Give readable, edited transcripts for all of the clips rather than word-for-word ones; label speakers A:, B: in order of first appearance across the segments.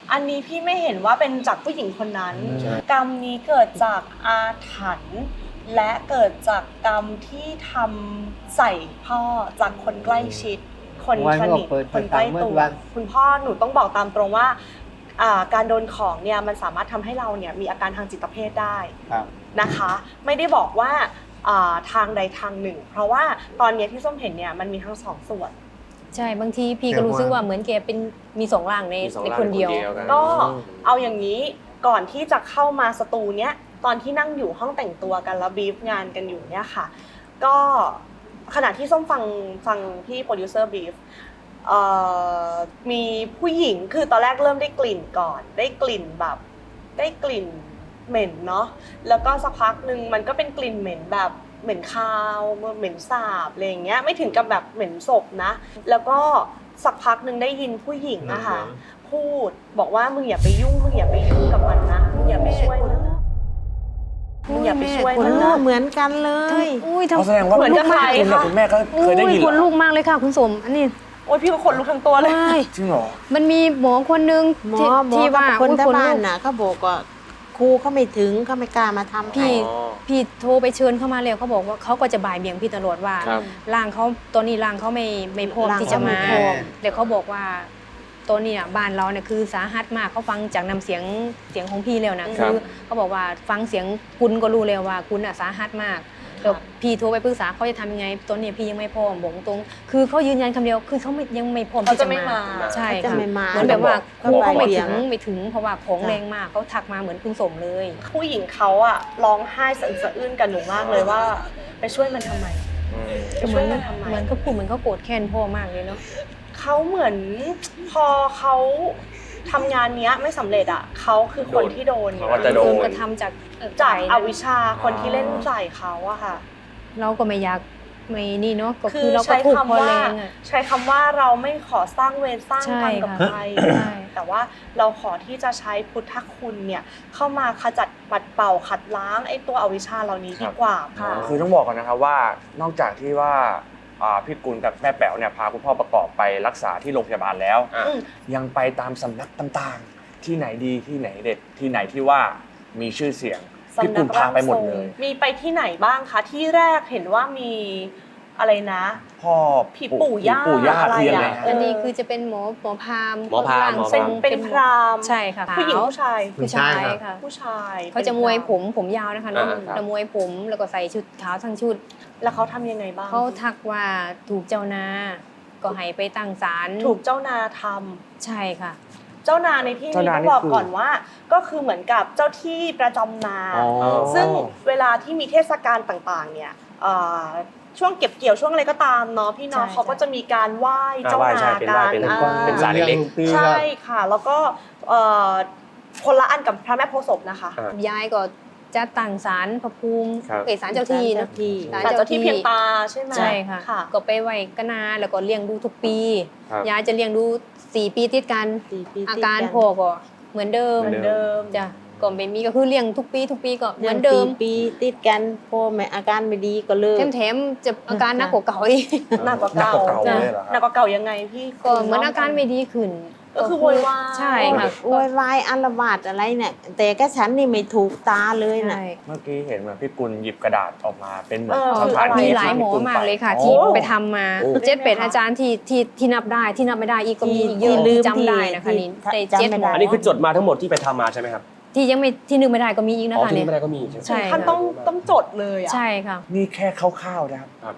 A: อันนี้พี่ไม่เห็นว่าเป็นจากผู้หญิงคนนั้นกรรมนี้เกิดจากอาถรรพ์และเกิดจากกรรมที่ทำใส่พ่อจากคนใกล้ชิดคนสนิทคนใกล้ตัวคุณพ่อหนูต้องบอกตามตรงว่าการโดนของเนี่ยมันสามารถทำให้เราเนี่ยมีอาการทางจิตเภทได้นะคะไม่ได้บอกว่าทางใดทางหนึ่งเพราะว่าตอนนี้ที่ส้มเห็นเนี่ยมันมีทั้งสองส่วน
B: ใช่บางทีพี่ก็รู้สึกว่าเหมือนแกเป็นมีสองร่างในคนเดียว
A: ก็เอาอย่างนี้ก่อนที่จะเข้ามาสตูเนี้ยตอนที่นั่งอยู่ห้องแต่งตัวกันแล้วบีฟงานกันอยู่เนี่ยค่ะก็ขณะที่ส้มฟังพี่โปรดิวเซอร์บีฟมีผู้หญิงคือตอนแรกเริ่มได้กลิ่นก่อนได้กลิ่นแบบได้กลิ่นเหม็นเนาะแล้วก็สักพักนึงมันก็เป็นกลิ่นเหม็นแบบเหม็นคาวเหม็นสาบอะไรอย่างเงี้ยไม่ถึงกับแบบเหม็นศพนะแล้วก็สักพักนึงได้ยินผู้หญิงอะค่ะพูดบอกว่ามึงอย่าไปยุ่งมึงอย่าไปยุ่งกับมันนะมึงอย่าไปช่วยมันนะมึงอย่าไปช่วยมันนะ
C: เหมือนกันเลย
D: เขาแสดงว่าเหมือนกับใครคุณแม่ก็เคยได้ยิน
B: คนลูกมากเลยค่ะคุณสมอันนี้
A: โอ้ยพี่ก็ขนลุกทั้งตัวเลย
D: จริงเหรอ
B: มันมีหมอคนนึง
C: ที่ว่าคนที่บ้านน่ะเขาบอกว่าครูเขาไม่ถึงเขาไม่กล้ามาทำ
B: พี่โทรไปเชิญเข้ามาแล้วเขาบอกว่าเขาก็จะบ่ายเบี่ยงพี่ตลอดว่าร่างเขาตอนนี้ร่างเขาไม่พร้อมที่จะมาเดี๋ยวเขาบอกว่าตอนนี้บ้านเราเนี่ยคือสาหัสมากเขาฟังจากนำเสียงของพี่แล้วนะคือเขาบอกว่าฟังเสียงคุณก็รู้แล้วว่าคุณสาหัสมากเดี๋ยวพี่โทรไปปรึกษาเขาจะทำยังไงตอนนี้พี่ยังไม่พร้อมบอกตรงคือเขายืนยันคำเดียวคือเขายังไม่พร้อมที่จะมาใช่ค่ะเหมือนแบบว่าครูเขาไม่ถึงเพราะว่าของแรงมากเขาทักมาเหมือนคุณสมเลย
A: ผู้หญิงเขาร้องไห้สะอื้นกันหนูมากเลยว่าไปช่วยมันทำไมไปช่วยมันทำไม
B: เหมือนเขาพูดเหมือนเขาโกรธแค้นพ่อมากเลยเนาะ
A: เขาเหมือนพอเขาทำงานนี้ไม่สำเร็จเขาคือคนที่โดน
B: กระทำจาก
A: อวิชชาคนที่เล่นใส่เขาอะค่ะ
B: เราก็ไม่อยากไม่นี่เนาะก็คือเราก็ถูกพอแรง
A: ใช้คำว่าเราไม่ขอสร้างเวรสร้างกรรมกับใครแต่ว่าเราขอที่จะใช้พุทธคุณเนี่ยเข้ามาขจัดปัดเป่าขัดล้างไอ้ตัวอวิชชาเหล่านี้ดีกว่าค่ะ
D: คือต้องบอกก่อนนะครับว่านอกจากที่ว่าพี่กุลกับแม่แป๋วเนี่ยพาคุณพ่อประกอบไปรักษาที่โรงพยาบาลแล้วยังไปตามสำนักต่างๆที่ไหนดีที่ไหนเด็ดที่ไหนที่ว่ามีชื่อเสียงพี่กุลพาไปหมดเลย
A: มีไปที่ไหนบ้างคะที่แรกเห็นว่ามีอะไรนะ
D: พ่อ
A: ผีปู่ย่า
D: อะไร
B: อันนี้คือจะเป็นหมอพราหมณ์
A: เป็นพราหมณ์
B: ใช่ค่ะ
A: ผู้หญิงผู้ชาย
B: ค่ะ
A: ผู้ชาย
B: เขาจะมวยผมยาวนะคะน้องจะมวยผมแล้วก็ใส่ชุดขาวทั้งชุด
A: แล้วเขาทำยังไงบ้าง
B: เขาทักว่าถูกเจ้านาก็ให้ไปตั้งศาล
A: ถูกเจ้านาท
B: ำใช่ค่ะ
A: เจ้านาในที่นี้ต้องบอกก่อนว่าก็คือเหมือนกับเจ้าที่ประจำนาซึ่งเวลาที่มีเทศกาลต่างๆเนี่ยช่วงเก็บเกี่ยวช่วงอะไรก็ตามเนาะพี่น้องเขาก็จะมีการไหว้เจ้านา
D: การเป็นศาลเล็ก
A: ใช่ค่ะแล้วก็คนละอันกับพระแม่โพธิ์ศพนะคะ
B: ยายก็จะตั้งศาลพระภูมิศาลเจ้าที่นะ
A: ศาลเจ้าที่เพียงตาใช่ไหม
B: ใช่ค่ะก็ไปไหว้กนาแล้วก็เลี้ยงดูทุกปียายจะเลี้ยงดู4 ปีติดกันอาการพ่อก็เหมือนเดิมจ้ะก็ไม่มีก็คือเลี้ยงทุกปีก็เหมือนเดิม
C: ปีติดกันพ่อแม่อาการไม่ดีก็เลิก
B: แถมจะอาการหนักกว่าเก่าอีก
A: หนักกว่าเก่าหนักกว่าเก่ายังไงพี่
B: ก็เหมือนอาการไม่ดีขึ้น
A: ก็คือโวยวาย
B: ใช่ค่ะ
C: โวยวายอาละวาดอะไรเนี่ยแต่ก็ฉันนี่ไม่ถูกตาเลยนะ
D: เมื่อกี้เห็นเหมือนพี่กุลหยิบกระดาษออกมาเป็นเหมือน
B: มีหลายหมอมากเลยค่ะที่ไปทำมา7-8อาจารย์ที่นับได้ที่นับไม่ได้อีกก็มีเยอะจำได้นะคะนี่ได้7หมอ
E: อันนี้คือจดมาทั้งหมดที่ไปทำมาใช่ไหมครับ
B: ที่ยังไม่ที่นึกไม่ได้ก็มีอีกนะคะ
E: เนี่ยที่นึกไม่ได้ก็มี
A: ใช่ท่านต้องจดเลย
B: ใช่ค่ะ
D: นี่แค่คร่าวๆนะครับ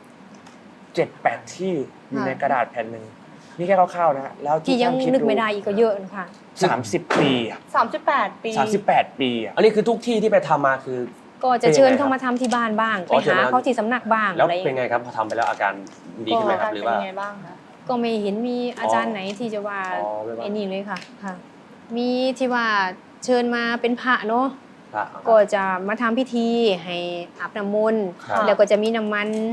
D: 7-8ที่อยู่ในกระดาษแผ่นนึงนี่แค่คร่าวๆนะแล้ว
B: ที่ยังนึกไม่ได้อีกก็เยอะนะคะ
D: 30 ปี38 ปี
E: อันนี้คือทุกที่ที่ไปทำมาคือ
B: ก็จะเชิญเข้ามาทำที่บ้านบ้างไปหาเขาที่สำนักบ้าง
E: แล้วเป็นไงครับพอทำไปแล้วอาการดีขึ้นไหมครับหรือว่า
A: เป็นไงบ้างคะ
B: ก็ไม่เห็นมีอาจารย์ไหนที่จะว่าไอ้นี่เลยค่ะมีที่ว่าเชิญมาเป็นพระเนาะก็จะมาทำพิธีให้อาบน้ำมนต์แล้วก็จะมีน้ำมัน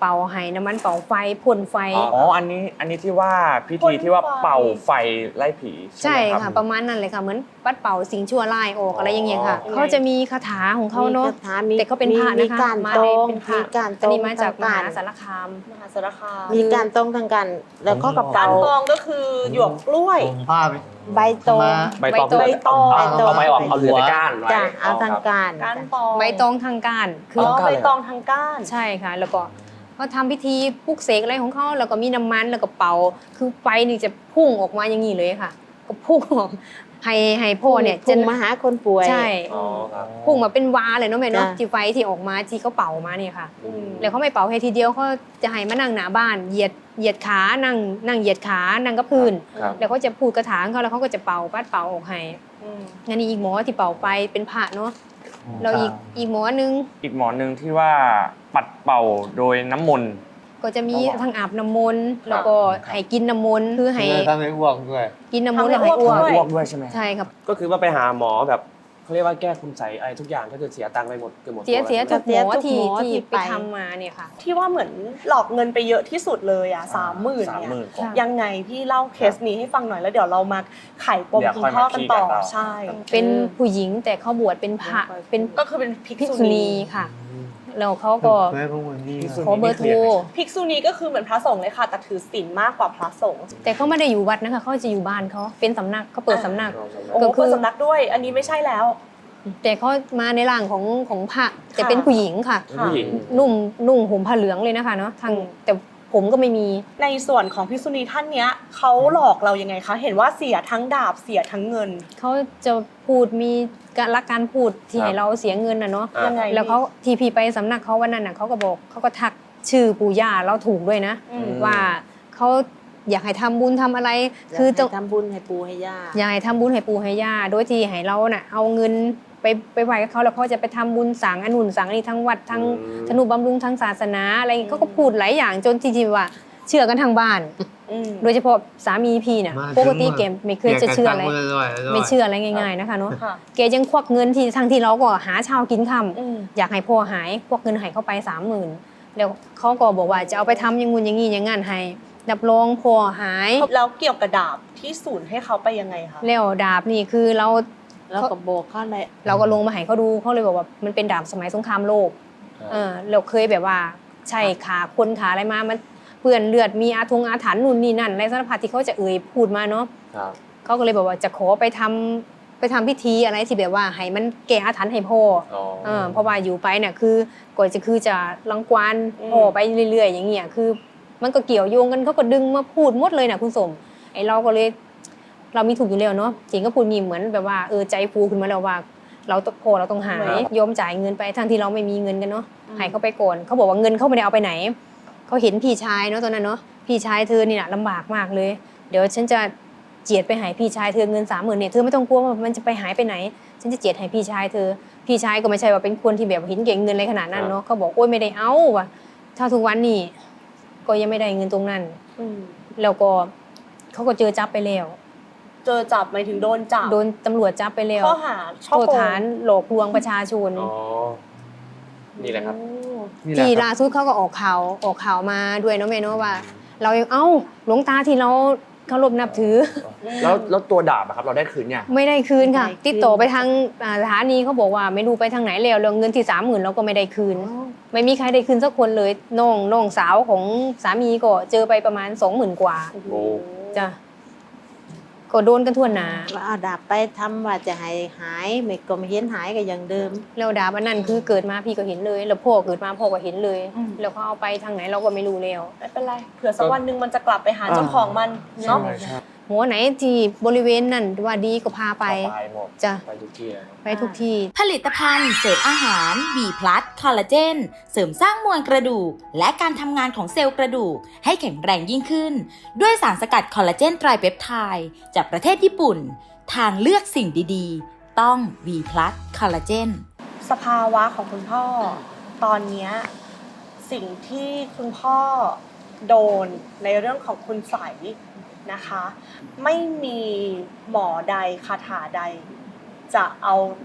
B: เป่าให้น้ำมันเป่าไฟพ่นไฟ
D: อ๋ออันนี้ที่ว่าพิธีที่ว่าเป่าไฟไล่ผี
B: ใช่
D: ไหมรับ
B: ค่ะประมาณนั้นเลยค่ะเหมือนปัดเป่าสิ่งชั่วร้ายออกอะไรอย่างเงี้ยค่ะ
A: อ๋อ
B: เขาจะมีคาถาของเขาเนาะ
C: มีคถมี
B: แต่เขาเป็นพระ
C: มี
B: นะคะ
C: การ
B: มา
C: ตร
B: ใน
C: ง
B: เป็นพระ
C: มีการต
B: อั
C: ร
B: น
C: ง
B: นี้มาจากม
C: ต่
B: หาง สารคาม
A: มหาสารคาม
C: ๆมีการตรงทางกัน แล้วก็กระ
A: กา
C: เป๋าร
A: ตองก็คือหยวกกล้วย
F: ผมผ้าไป
C: ใบตอง
E: ใบตอง
A: ใบตอง
E: เอาใบออกเอาเหลือแต่ก้านไว้
C: จ้ะเอาทางการ
A: ก้านตอง
B: ใบตองทางการคื
A: อ๋
B: อ
A: อใบตองทางก้าน
B: ใช่ค่ะ แล้วก็เขาทำพิธีปลุกเสกอะไรของเขาแล้วก็มีน้ำมันแล้วก็เป่าคือไฟนี่จะพุ่งออกมาอย่างนี้เลยค่ะ ก็พุ่งออกให้พ่อเนี่ย
C: จะมาหาคนป่วย
B: ใช่
E: อ๋อครับ
B: พุ่งมาเป็นวาเลยเนาะแม่เนาะ
C: จ้ะ
B: ที่ไฟที่ออกมาที่เขาเป่ามาเนี่ยค่ะ
A: อืม
B: แล้วเขาไม่เป่าให้ทีเดียวเขาจะให้มานั่งหน้าบ้านเหยียดขานั่งเหยียดขานั่งกับพื้น
E: ครับ
B: แล้วเขาจะพูดกระถางเขาแล้วเขาก็จะเป่าปัดเป่าออกให้
A: อืม
B: งั้นนี่อีกหมอที่เป่าไปเป็นพระเนาะแล้วอีกหมอนึง
D: อีกหมอหนึ่งที่ว่าปัดเป่าโดยน้ำมนต์
B: ก็จะมี
D: ครับ
B: ทั้งอาบน้ำมนต์แล้วก็ให้กินน้ำมนต์คือให้
F: ทำให้อ้วกด้วย
B: กินน้ำมนต์แล้วให้อ้วก
A: ด้วย
D: อ้วกด้วยใช่ไหม
B: ใช่ครับ
E: ก็คือว่าไปหาหมอแบบเขาเรียกว่าแก้คุณใสอะไรทุกอย่างก็คือเสียตังค์ไปหมดเกือบหมด
B: เสีย
E: ตัว
B: เสีย
E: แล้ว
B: ทุกหมอที่
C: เสียทุกหมอที่
B: ที่ไป
C: ไป
B: ทำมาเนี่ยค่ะ
A: ที่ว่าเหมือนหลอกเงินไปเยอะที่สุดเลยอ่ะ30,000
D: 30,000
A: เนี่ย
D: กว่า
A: ยังไงพี่เล่าเคสนี้ให้ฟังหน่อยแล้วเดี๋ยวเรามาไขปม
D: เดี๋ยว
A: คุณ
D: ค่อย
A: พ่อ
D: มา
A: กัน
D: ขี้
A: ต่อ
D: กันต่อ
A: ใช่
B: เป็นผู้หญิงแต่เขาบวชเป็นพระเป็น
A: ก็คือเป็นภิก
B: ภิก
A: ษุ
B: ษุ
A: ณี
B: ณีค่ะแล้วเขาก็
F: เพื่อนพวกมึงนี่
B: ขอเบอร์โทร
A: ภิกษุณีก็คือเหมือนพระสงฆ์เลยค่ะแต่ถือศีลมากกว่าพระสงฆ์
B: แต่เขาไม่ได้อยู่วัดนะคะเขาจะอยู่บ้านเขาเป็นสำนักเขาเปิดสำนัก
A: โอ้
B: ก็
A: โห
B: คือ
A: เปิดสำนักด้วย อันนี้ไม่ใช่แล้ว
B: แต่เขามาในร่างของพระแต่เป็นผู้หญิงค่ะ
E: เป็นผู้หญิง
B: นุ่งห่มผ้าเหลืองเลยนะคะเนาะทางแต่ผมก็ไม่มี
A: ในส่วนของภิกษุณีท่านเนี้ยเขาหลอกเรายังไงคะเห็นว่าเสียทั้งดาบเสียทั้งเงิน
B: เขาจะพูดมีการพูดที่
E: ครับ
B: ให้เราเสียเงินนะเนาะ
E: อ่า
A: ยังไง
B: แล้วเขาทีพีไปสำนักเขาวันนั้นน่ะเขาก็บอกเขาก็ทักชื่อปู่ย่าเราถูกด้วยนะ
A: อืม
B: ว่าเขาอยากให้ทำบุญทำอะไร
C: คื
B: คือ อ
C: ต้
B: ต้
C: อ
B: อง ง
C: ทำบุญให้ปู่ให้ย่า
B: อยากให้ทำบุญให้ปู่ให้ย่าโดยที่ให้เราน่ะเอาเงินไปไหว้กับเขาแล้วเขาจะไปทำบุญสังอนุนสังนี่ทั้งวัดทั้งธนุบำรุงทั้งศาสนาอะไรอย่างงี้เขาก็พูดหลายอย่างจนที่ว่าเชื่อกันทางบ้าน
A: อืม
B: โดยเฉพาะสามีพี่เนี่ย
F: มา
B: ปกติเกมไม่เคยจะเชื่ออะไร ไม่เชื่ออะไร
F: ๆ
B: ง่ายๆนะคะเนาะ
A: ค่ะ
B: แกยังควักเงินที่ทั้งที่เราก็หาเช้ากินค่
A: อืม
B: ำอยากให้พ่อหายควักเงินให้เข้าไป30,000แล้วเขาก็บอกว่าจะเอาไปทำอยังงู้นอย่างงี้อย่างงั้นให้รับรองพ่อหาย
A: แล้วเกี่ยวกับดาบที่ศูนย์ให้เขาไปยังไงคะ
B: แล้วดาบนี่คือเรา
C: แล้วก็บอกเขาเลย
B: เราก็ลงมาให้เขาดูเขาเลยบอกว่ามันเป็นดาบสมัยสงครามโลกเราเคยแบบว่าใช่ขาคนขาอะไรมามันเปื้อนเลือดมีอาถรรพ์นู่นนี่นั่นอะไรสารพัดที่เขาจะพูดมาเนาะ
E: ครับ
B: เขาก็เลยบอกว่าจะขอไปทำพิธีอะไรที่แบบว่าให้มันแก้อาถรรพ์ให้พ่อ
E: อ๋อ
B: เพราะว่าอยู่ไปเนี่ยคือก่อนจะคือจะรังควาน
A: อืม
B: พ่อไปเรื่อยๆอย่างเงี้ยคือ มันก็เกี่ยวโยงกันเขาก็ดึงมาพูดหมดเลยนะคุณสมไอเราก็เลยเรามีถูกอยู่แล้วเนาะจริงก็พูดงี้เหมือนแบบว่าใจฟูขึ้นมาแล้วว่า เราต้องพอเราต้องหายยอมจ่ายเงินไปทั้งที่เราไม่มีเงินกันเนาะให้เขาไปก่อนเขาบอกว่าเงินเขาไม่ได้เอาไปไหนเขาเห็นพี่ชายเนาะตอนนั้นเนาะพี่ชายเธอนี่นะลำบากมากเลย เดี๋ยวฉันจะเจียดไปหายพี่ชายเธอเงิน30,000เนี่ยเธอไม่ต้องกลัวว่ามันจะไปหายไปไหน ฉันจะเจียดให้พี่ชายเธอพี่ชายก็ไม่ใช่ว่าเป็นคนที่แบบเห็นเก่งเงินอะไรขนาดนั้นเนาะเขาบอกโอ๊ยไม่ได้เอาว่ะถ้าทุกวันนี้ก็ยังไม่ได้เงินตรงนั้น
A: อืม
B: แล้วก็เขาก็เจอจับไปแล้ว
A: เจอจับหมายถึงโดนจับ
B: โดนตำรวจจับไปแล้ว
A: ข้อหาช่อ
B: โทษ
A: โกง
B: ฐานหลอกลวงประชาชน
E: อ๋อ นี่แหละครับ
A: โอ้
F: นี่แหละ
B: ที่
F: ครับ
B: ล่าสุดเขาก็ออกข่าวมาด้วยเนาะแม่เนาะว่า เราเอ้าหลวงตาที่เราเคารพนับถือ
D: แล้วตัวดาบอะครับเราได้คืนเนี่ย
B: ไม่ได้คืนค่ะ
C: ไม่ได้คืน
B: ติดต่อไปทางสถานีเขาบอกว่าไม่รู้ไปทางไหนแล้วเงินที่30,000เราก็ไม่ได้คืน ไม่มีใครได้คืนสักคนเลยน้องสาวของสามีก็เจอไปประมาณ20,000 กว่า
E: โอ้
B: จ้ะก็โดนกันทั่วหน้า
C: ว่าเอาดาบไปทำว่าจะให้หายไม่ก็ไม่เห็นหายก็อย่างเดิม
B: แล้วดาบอันนั้นคือเกิดมาพี่ก็เห็นเลย แล้วพ่อเกิดมาพ่อก็เห็นเลย แล้วเขาเอาไปทางไหนเราก็ไม่รู้แล้ว
A: ไม่เป็นไรเผื่อสักวันหนึ่งมันจะกลับไปหาเจ้าของมันเนาะ
B: หัวไหนที่บริเวณนั้นว่าดีก็พาไป
D: ไปหมด
B: จ้ะ
E: ไปทุกที่เลยครับ
B: ไปทุกที่
G: ผลิตภัณฑ์เสริมอาหาร B+ คอลลาเจนเสริมสร้างมวลกระดูก และการทำงานของเซลล์กระดูกให้แข็งแรงยิ่งขึ้น ด้วยสารสกัดคอลลาเจนไตรเปปไทด์จากประเทศญี่ปุ่น ทางเลือกสิ่งดีๆ ต้อง B+ คอลลาเจน
A: สภาวะของคุณพ่อตอนเนี้ยสิ่งที่คุณพ่อโดนในเรื่องของคุณใสยนะคะ ไม่มีหมอใดคาถาใด จะเอา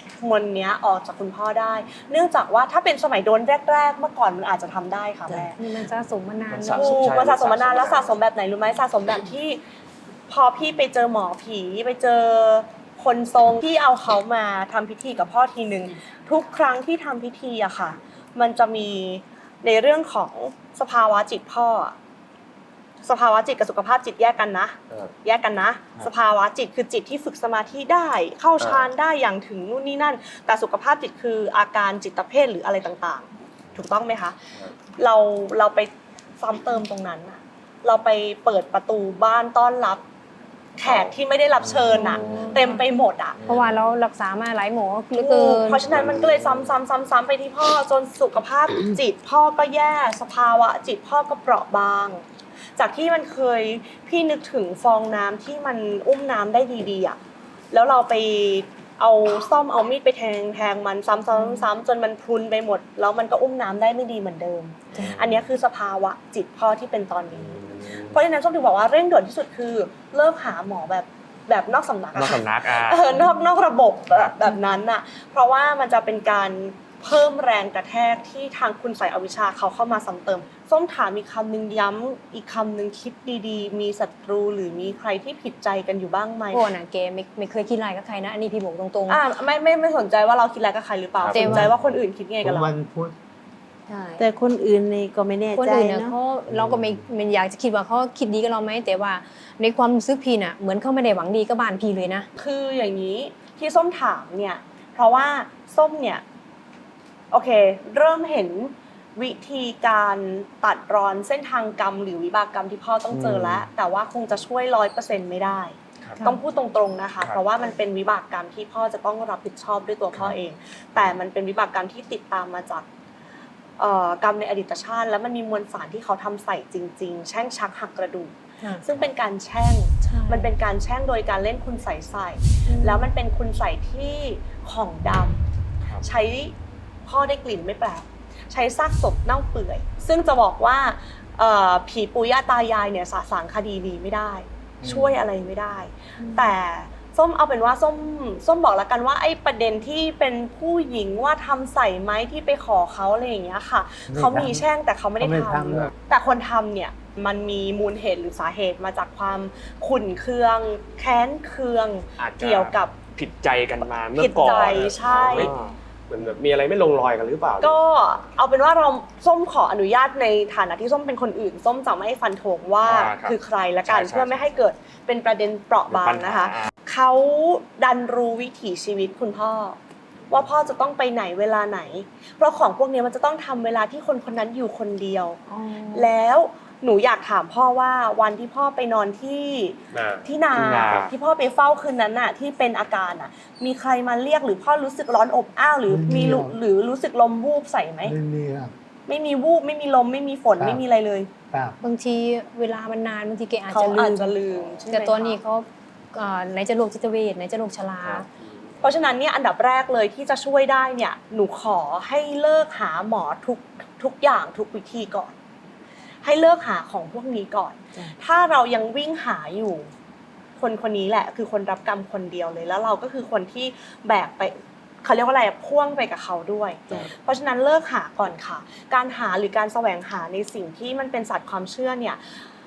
A: มวลเนี้ยออกจากคุณพ่อได้ เนื่องจากว่าถ้าเป็นสมัยโดนแรกๆเมื่อก่อนมันอาจจะทำได้ค่ะแม่
B: นี่มันสะสมมานาน
D: มัน
B: เน
D: สะ
B: อะ
D: สม
A: ถูกมันสะสมมานานแล้วสะสมแบบไหนรู้ไหมสะสมแบบที่พอพี่ไปเจอหมอผีไปเจอคนทรงที่เอาเขามาทำพิธีกับพ่อทีนึงทุกครั้งที่ทำพิธีอะค่ะ มันจะมีในเรื่องของสภาวะจิตพ่ออะสภาวะจิตกับสุขภาพจิตแยกกันนะ แยกกันนะ สภาวะจิตคือจิตที่ฝึกสมาธิได้ เข้าฌานได้อย่างถึงนู่นนี่นั่น แต่สุขภาพจิตคืออาการจิตเภทหรืออะไรต่างๆ ถูกต้องไหมคะเราไปซ้ำเติมตรงนั้นน่ะเราไปเปิดประตูบ้านต้อนรับแขกที่ไม่ได้รับเชิญน่ะเต็มไปหมดอ่ะ
B: เพราะว่าเรารักษามาหลายหมอเหลือเกิน
A: เพราะฉะนั้นมันก็เลยซ้ำๆไปที่พ่อจนสุขภาพจิตพ่อก็แย่สภาวะจิตพ่อก็เปราะบาง จากที่มันเคยพี่นึกถึงฟองน้ำที่มันอุ้มน้ำได้ดีๆอ่ะแล้วเราไปเอาซ่อมเอามีดไปแทงมันซ้ำๆจนมันพรุนไปหมดแล้วมันก็อุ้มน้ำได้ไม่ดีเหมือนเดิม อันนี้คือสภาวะจิตพ่อที่เป็นตอนนี้ เพราะฉะนั้นส้มถึงบอกว่าเร่งด่วนที่สุดคือเลิกหาหมอแบบนอกสำนัก
D: นอกสำนัก
A: นอกระบบแบบนั้นน่ะเพราะว่ามันจะเป็นการเพิ่มแรงกระแทกที่ทางคุณใส่อวิชชาเขาเข้ามาซ้ำเติมส้มถามอีกคำนึงย้ำอีกคำนึงคิดดีๆมีศัตรูหรือมีใครที่ผิดใจกันอยู่บ้างไหม
B: พวกน่ะแกไม่เคยคิดอะไรกับใครนะอันนี้พี่บอกตรง
A: ไม่สนใจว่าเราคิดอะไรกับใครหรือเปล่า
B: แต่
A: ส
B: ว่า
A: นใจว่าคนอื่นคิดไงกับเรา
F: วันพุธ
B: ๆใช่
C: แต่คนอื่นนี่ก็ไม่แน่
B: คน
C: ใจ
B: อื่นเนี่ย
C: เนาะ
B: เขาเราก็ไม่อยากจะคิดว่าเขาคิดดีกับเราไหมแต่ว่าในความรู้สึกพี่น่ะเหมือนเขาไม่ได้หวังดีกับบ้านพี่เลยนะ
A: คืออย่างนี้ที่ส้มถามเนี่ยเพราะว่าส้มเนี่ยโอเคเริ่มเห็นวิธีการตัดรอนเส้นทางกรรมหรือวิบากกรรมที่พ่อต้องเจอแล้วแต่ว่าคงจะช่วย 100% ไม่ได้ ต้องพูดตรงๆนะคะเพราะว่ามันเป็นวิบากกรรมที่พ่อจะต้องรับผิดชอบด้วยตัวพ่อเอง แต่มันเป็นวิบากกรรมที่ติดตามมาจากกรรมในอดีตชาติแล้วมันมีมวลสารที่เขาทำใส่จริงๆแช่งชักหักกระดูกซึ่งเป็นการแช่งมันเป็นการแช่งโดยการเล่นคุณใส่แล้วมันเป็นคุณใส่ที่ของดำใช้พ่อได้กลิ่นไม่แปลกใช้ซากศพเน่าเปื่อยซึ่งจะบอกว่าผีปู่ย่าตายายเนี่ยสะสางคดีนี้ไม่ได้ช่วยอะไรไม่ได้แต่ส้มเอาเป็นว่าส้มบอกแล้วกันว่าไอ้ประเด็นที่เป็นผู้หญิงว่าทำใส่ไหมที่ไปขอเขาอะไรอย่างเงี้ยค่ะเขามีแช่งแต่เขาไม่ได้ทำแต่คนทำเนี่ยมันมีมูลเหตุหรือสาเหตุมาจากความขุ่นเคืองแค้นเคืองเกี่ยวกับ
E: ผิดใจกันมาเมื่
A: ผิ
E: อ
A: ด
E: ก่อน
A: ใจใช่
E: เหมือนแบบมีอะไรไม่ลงรอยกันหรือเปล่า
A: ก็เอาเป็นว่าเราส้มขออนุญาตในฐานะที่ส้มเป็นคนอื่นส้มจะไม่ฟันธงว่าคือใครละกันเพื่อไม่ให้เกิดเป็นประเด็นเปราะบางนะคะเขาดันรู้วิถีชีวิตคุณพ่อว่าพ่อจะต้องไปไหนเวลาไหนเพราะของพวกนี้มันจะต้องทำเวลาที่คนคนนั้นอยู่คนเดียวแล้วหนูอยากถามพ่อว่าวันที่พ่อไปนอนที่นาที่พ่อไปเฝ้าคืนนั้นน่ะที่เป็นอาการน่ะมีใครมาเรียกหรือพ่อรู้สึกร้อนอบอ้าวหรือมีหรือรู้สึกลมวูบใส่ไหม
F: ไม่มีครับ
A: ไม่มีวูบไม่มีลมไม่มีฝนไม่มีอะไรเลย
F: ครับ
B: บางทีเวลามันนานบางทีแกอาจ
A: เขา
B: จะ
A: อาจจะลืมใช่ไหม
B: แต่ตัวนี้
A: คะ
B: เขาไหนจะโรคจิตเวชไหนจะโรคชรา
A: เพราะฉะนั้นเนี่ยอันดับแรกเลยที่จะช่วยได้เนี่ยหนูขอให้เลิกหาหมอทุกอย่างทุกวิธีก่อนให้เลิกหาของพวกนี้ก่อนถ้าเรายังวิ่งหาอยู่คนนี้แหละคือคนรับกรรมคนเดียวเลยแล้วเราก็คือคนที่แบกไปเขาเรียกว่าอะไรพ่วงไปกับเขาด้วยเพราะฉะนั้นเลิกหาก่อนค่ะการหาหรือการแสวงหาในสิ่งที่มันเป็นศาสตร์ความเชื่อเนี่ย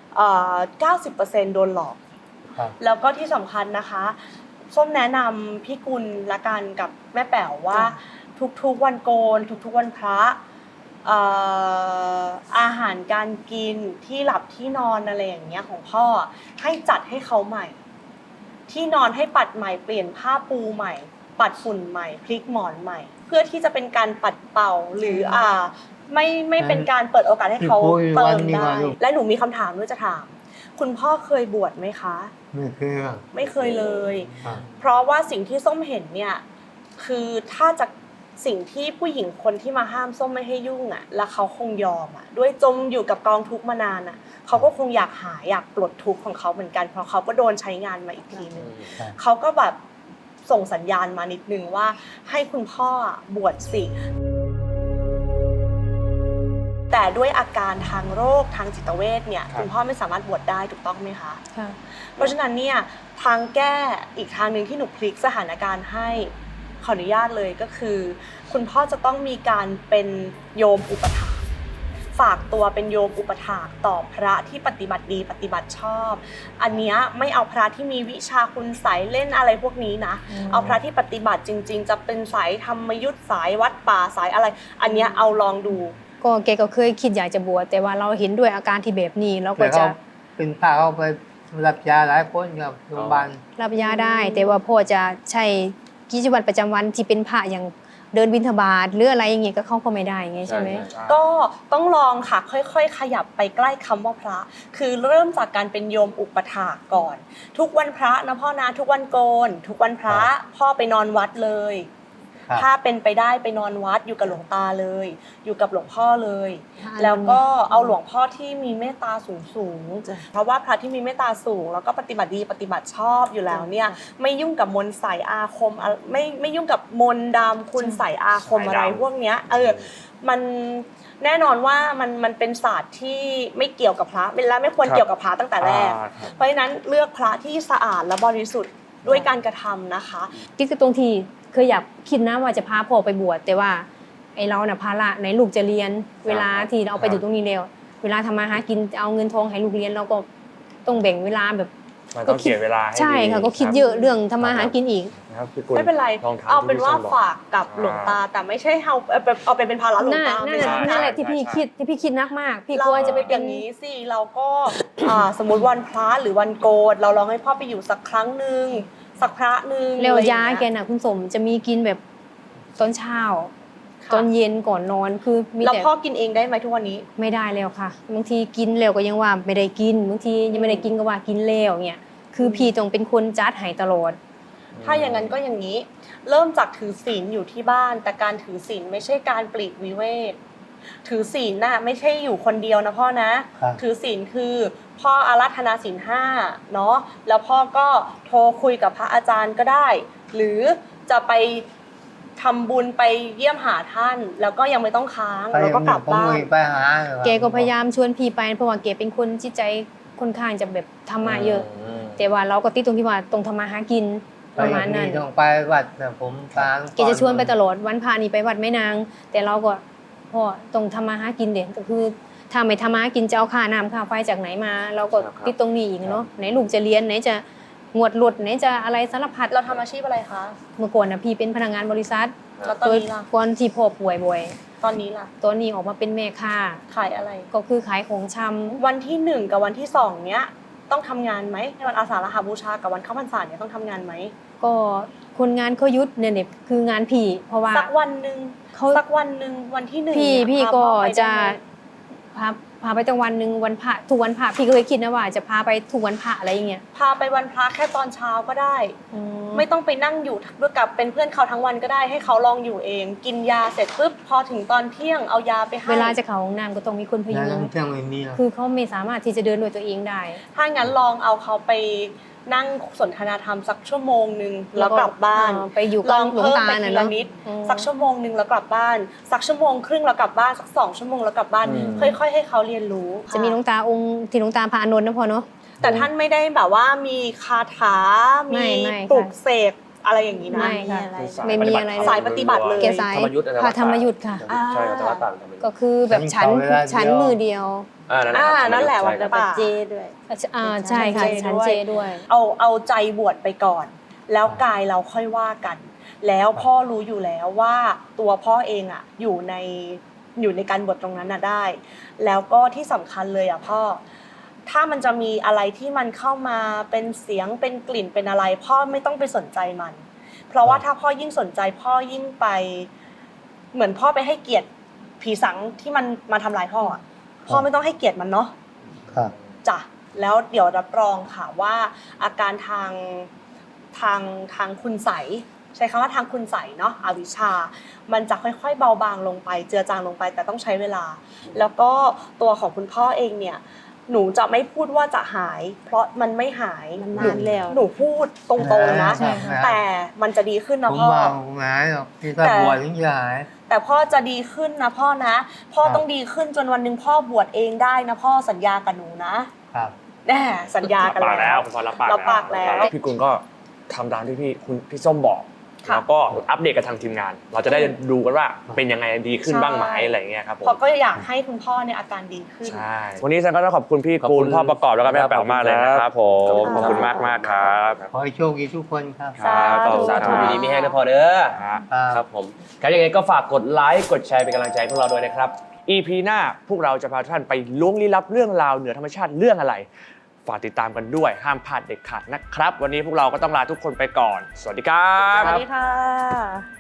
A: 90% โดนหลอก
F: ครับ
A: แล้วก็ที่สำคัญนะคะส้มแนะนำพี่กุลละกันกับแม่แป๋วว่าทุกๆวันโกนทุกๆวันพระอาหารการกินที่หลับที่นอนอะไรอย่างเงี้ยของพ่อให้จัดให้เขาใหม่ที่นอนให้ปัดใหม่เปลี่ยนผ้าปูใหม่ปัดฝุ่นใหม่พลิกหมอนใหม่เพื่อที่จะเป็นการปัดเป่าหรือไม่เป็นการเปิดโอกาสให้เขาเติมได้และหนูมีคำถามด้วยจะถามคุณพ่อเคยบวชไหมคะ
F: ไม่เคยครับ
A: ไม่เคยเลย
F: ครับ
A: เพราะว่าสิ่งที่ส้มเห็นเนี่ยคือถ้าจะสิ่งที่ผู้หญิงคนที่มาห้ามส้มไม่ให้ยุ่งอ่ะแล้วเขาคงยอมอ่ะด้วยจมอยู่กับกองทุกข์มานานอ่ะเขาก็คงอยากปลดทุกข์ของเขาเหมือนกันเพราะเขาก็โดนใช้งานมาอีกทีนึงเขาก็แบบส่งสัญญาณมานิดนึงว่าให้คุณพ่อบวชสิแต่ด้วยอาการทางโรคทางจิตเวชเนี่ยคุณพ่อไม่สามารถบวชได้ถูกต้องไหมคะเพราะฉะนั้นเนี่ยทางแก้อีกทางหนึ่งที่หนูพลิกสถานการณ์ให้ขออนุญาตเลยก็คือ คุณพ่อจะต้องมีการเป็นโยมอุปถากฝากตัวเป็นโยมอุปถากต่อพระที่ปฏิบัติดีปฏิบัติชอบ อันเนี้ยไม่เอาพระที่มีวิชาคุณไสยเล่นอะไรพวกนี้นะเอาพระที่ปฏิบัติจริง ๆ จะเป็นสายธรรมยุทธสายวัดป่าสายอะไร อันเนี้ยเอาลองดู
B: ก็แกก็เคยคิดอยากจะบวชแต่ว่าเราเห็นด้วยอาการที่แบบนี้เราก็จะ
F: เป็นพาเขาไปรับยาหลายคนกับโรงพยาบาล
B: รับยาได้ แต่ว่าพ่อจะใช้กิจวัตรประจำวันที่เป็นพระอย่างเดินบิณฑบาตหรืออะไรอย่างเงี้ยก็เข้าก็ไม่ได้ไงใช่ไหม
A: ก็ต้องลองค่ะค่อยๆขยับไปใกล้คำว่าพระ คือเริ่มจากการเป็นโยมอุปถากก่อน ทุกวันพระนะพ่อนะทุกวันโกน ทุกวันพระพ่อไปนอนวัดเลย
F: ครับ
A: ถ้าเป็นไปได้ไปนอนวัดอยู่กับหลวงตาเลย อยู่กับหลวงพ่อเลย
B: ค่ะ
A: แล้วก็เอาหลวงพ่อที่มีเมตตาสูง
C: จ้ะ
A: เพราะว่าพระที่มีเมตตาสูงแล้วก็ปฏิบัติดีปฏิบัติชอบอยู่แล้วเนี่ยไม่ยุ่งกับมนต์ใส่อาคมอะไม่ยุ่งกับมนต์ดำคุณใส่อาคมอะไรพวกเนี้ยมันแน่นอนว่ามันเป็นศาสตร์ที่ไม่เกี่ยวกับพระและไม่ควรเกี่ยวกับพระตั้งแต่แรก เพราะฉะนั้นเลือกพระที่สะอาดและบริสุทธิ์ด้วยการกระทำนะคะ
B: ที่คือตรงที่เคยอยากคิดนะว่าจะพาพ่อไปบวชแต่ว่าไอเราน่ะภาระในลูกจะเรียน เวลาที่เราไปอยู่ตรงนี้แล้วเวลาทำมาหากินเอาเงินทองให้ลูกเรียนเราก็ต้องแบ่งเวลาแบบ
D: มันต้องเสียเวลาให้ดี
B: ใช่ค่ะก็คิดเยอะเรื่องทำมาหากินอีก
D: นะครับพี่กุล
A: ไม่เป็นไร
D: ลองทำ
A: เอาเป็นว่า
D: ที่พี่ส้มบอก
A: ฝากกับหลวงตาแต่ไม่ใช่เอาไปเป็นภาระหลวงตา
B: นั่
A: ไม่
B: นแห
A: ใช่
B: ละนั่นแหละที่พี่คิดนักมาก พี่กลัวจะไปเป็น
A: อย่างนี้สิเราก็ สมมติวันพระหรือวันโกนเราลองให้พ่อไปอยู่สักครั้งหนึ่งสักพระหนึ่ง
B: เร็วยา
A: อะไร
B: แก
A: อย่างเงี้ย
B: น่ะคุณสมจะมีกินแบบตอนเช้า
A: ค่ะ
B: ตอนเย็นก่อนนอนคือมี
A: แล้ว
B: แต่
A: พ่อกินเองได้ไหมทุกวันนี้
B: ไม่ได้แล้วค่ะบางทีกินแล้วก็ยังว่าไม่ได้กินบางทียังไม่ได้กินก็ว่ากินแล้วเนี่ยคือพี่ต้องเป็นคนจัดให้ตลอด
A: ถ้าอย่างนั้นก็อย่างนี้ เริ่มจากถือศีลอยู่ที่บ้าน แต่การถือศีลไม่ใช่การปลีกวิเวกถือศีลน่ะไม่ใช่อยู่คนเดียวนะพ่อนะ
F: ครับ
A: ถือศีลคือพ่ออาราธนาศีล5เนาะแล้วพ่อก็โทรคุยกับพระอาจารย์ก็ได้ หรือจะไปทำบุญไปเยี่ยมหาท่าน แล้วก็ยังไม่ต้องค้างแล้วก็กลับบ้าน
F: ไปหา
B: แกก็พยายามชวนพี่ไปเพราะว่าแกเป็นคนจิตใจค่อนข้างจะแบบธรรมะเยอะ แต่ว่าเราก็ติดตรงที่ว่าตรงทำมาหากินประมาณนั้น
F: ต้องไปวัดนะผมตาม
B: แกจะชวนไปตลอดวันพานี่ไปวัดแม่นาง แต่เราก็พ่อตรงทำมาหากินเด็กก็คือถ้าไม่ทำมาหากินจะเอาค่าน้ำค่าไฟจากไหนมา เราก็ติดตรงนี้อีกเนาะไหนลูกจะเรียนไหนจะงวดหลุดไหนจะอะไรสารพัด
A: เราทำอาชีพอะไรคะ
B: เมื่อก่อนนะพี่เป็นพนักงานบริษัท
A: แล้วตอน
B: โดย
A: นี้ล่ะ
B: ก่อนที่พ่อป่วยบ่อย
A: ตอนนี้ล่ะ
B: ตอนนี้ออกมาเป็นแม่ค้า
A: ขายอะไร
B: ก็คือขายของชำ
A: วันที่1กับวันที่2เนี้ยต้องทำงานไหมในวันอาสาฬหบูชากับวันเข้าพรรษาเนี่ยต้องทำงานไหม
B: ก็คนงานเขายุดเนี่ยคืองานพี่เพราะว่า
A: สักวันหนึ่ง
B: เขา
A: สักวันหนึ่งวันที่1
B: พี่
A: เนี่ย
B: พี่
A: พา
B: ก็
A: พ่อไปได้
B: จะ
A: ไหม
B: พาไปตั้งวันหนึ่งวันพระทุกวันพระพี่ก็เคยคิดนะว่าจะพาไปทุกวันพระอะไรอย่างเงี้ย
A: พาไปวันพระแค่ตอนเช้าก็ได้ ไม่ต้องไปนั่งอยู่ด้วยกับเป็นเพื่อนเขาทั้งวันก็ได้ให้เขาลองอยู่เอง กินยาเสร็จปุ๊บพอถึงตอนเที่ยงเอายาไปให้
B: เวลาจะเข้าห้องน้ำก็ต้องมีคนพ
F: งา
B: ยุ
F: น
B: ง
F: เที่ยงไม่มีหรอก
B: คือเขาไม่สามารถที่จะเดินด้วยตัวเองได้
A: ถ้างั้นลองเอาเขาไปนั่งสนทนาธรรมสักชั่วโมงนึงแล้วกลับบ้าน
B: ไปอยู่
A: ล
B: กับ
A: อง
B: หลวง
A: เพิ่ม
B: ตา
A: ไป
B: น่ะ
A: ทีละ
B: เนาะ
A: นิด
B: อืม
A: สักชั่วโมงนึงแล้วกลับบ้าน สักชั่วโมงครึ่งแล้วกลับบ้านสัก2 ชั่วโมงแล้วกลับบ้าน ค่อยๆให้เขาเรียนรู้
B: จะมีหลวงตาองค์ที่หลวงตาพระอานนท์นะพอเนาะ
A: แต่ท่านไม่ได้แบบว่ามีคาถา
B: ไม่
A: มี
B: ไม่ค่ะ
A: ปลุกเสกอะไรอย่างนี้นะ
B: ไม่ค่ะ
C: อะไร
B: ไม่มีอะไรเลย
A: สายปฏิบัติเลย
B: แกสาย
E: ธรรมยุทธ์อะไร
B: พระธรรมยุทธ์ค่ะ
E: ใช่ครับแต่ว่าต่างธรรมยุทธ์
B: ก็คือแบบชั้น
F: เวลาเดียว
B: ชั้นมือเดียว
A: นั่นแหละวัน
C: แล้ว
A: ป่า
C: ก็เจด้วย
B: ใช่ค่ะ
A: ชั้
B: ชั้
A: น
B: น
A: เจ
B: เจ
A: ด้
B: ด้
A: ว
B: วย ย
A: เอาใจบวชไปก่อน แล้วกายเราค่อยว่ากัน แล้วพ่อรู้อยู่แล้วว่าตัวพ่อเองอ่ะอยู่ในการบวชตรงนั้นน่ะได้ แล้วก็ที่สำคัญเลยอ่ะพ่อถ้ามันจะมีอะไรที่มันเข้ามาเป็นเสียงเป็นกลิ่นเป็นอะไร พ่อไม่ต้องไปสนใจมัน เพราะว่าถ้าพ่อยิ่งสนใจพ่อยิ่งไป เหมือนพ่อไปให้เกียรติผีสังที่มันมาทำลายพ่ออะพ่อไม่ต้องให้เกียรติมันเนาะ
F: ครับ
A: จ้ะแล้วเดี๋ยวรับรองค่ะว่าอาการทางคุณใสยใช้คำว่าทางคุณใสยเนาะอวิชชา มันจะค่อยๆเบาบางลงไปเจือจางลงไปแต่ต้องใช้เวลา แล้วก็ตัวของคุณพ่อเองเนี่ยหนูจะไม่พูดว่าจะหาย เพราะมันไม่หาย
C: มันนานแล้ว
A: หนูพูดตรงๆนะ
B: ใช่ค่ะ
A: แต่มันจะดีขึ้นนะ
F: ผม
A: พ่อ
F: ว่าผมหายหรอกที่ถ้าบวชถึงจะหาย
A: แต่พ่อจะดีขึ้นนะพ่อนะพ่อต้องดีขึ้นจนวันหนึ่งพ่อบวชเองได้นะพ่อสัญญากับหนูนะครับ แน่สัญญากัน
D: ปากแล้
A: แล้ว ว
D: คุณพ่อรับปาก
A: รับปากแล้ว
D: พี่กุลก็ทำตามที่พี่ส้มบอก
A: ค่ะ
D: แล้วก็อัปเดตกับทางทีมงาน เราจะได้ดูกันว่าเป็นยังไงดีขึ้นบ้างไหมอะไรเงี้ยครับผม
A: เพราะก็อยากให้คุณพ่อเนี่ยอาการดีขึ้น
D: ใช่วันนี้ฉันก็ต้องขอบคุณพี่กูลพ่อประกอบแล้วก็แม่แป๋วมากเลยนะครับผมขอบคุณมากครับ
F: ขอให้โชคดีทุกคนครับ
D: ครับขอบคุณ
E: สา
D: ค
E: ธุ
D: รับ
E: มีดีมีแห้งนะพอเด้อ
D: ครับ
E: ครับผมครับยังไงก็ฝากกดไลค์กดแชร์เป็นกำลังใจให้พวกเราด้วยนะครับ
D: EP หน้าพวกเราจะพาท่านไปล้วงลี้ลับเรื่องราวเหนือธรรมชาติเรื่องอะไร ฝากติดตามกันด้วยห้ามพลาดเด็ดขาดนะครับ วันนี้พวกเราก็ต้องลาทุกคนไปก่อน สวัสดีครับ
A: สวัสดีค่ะ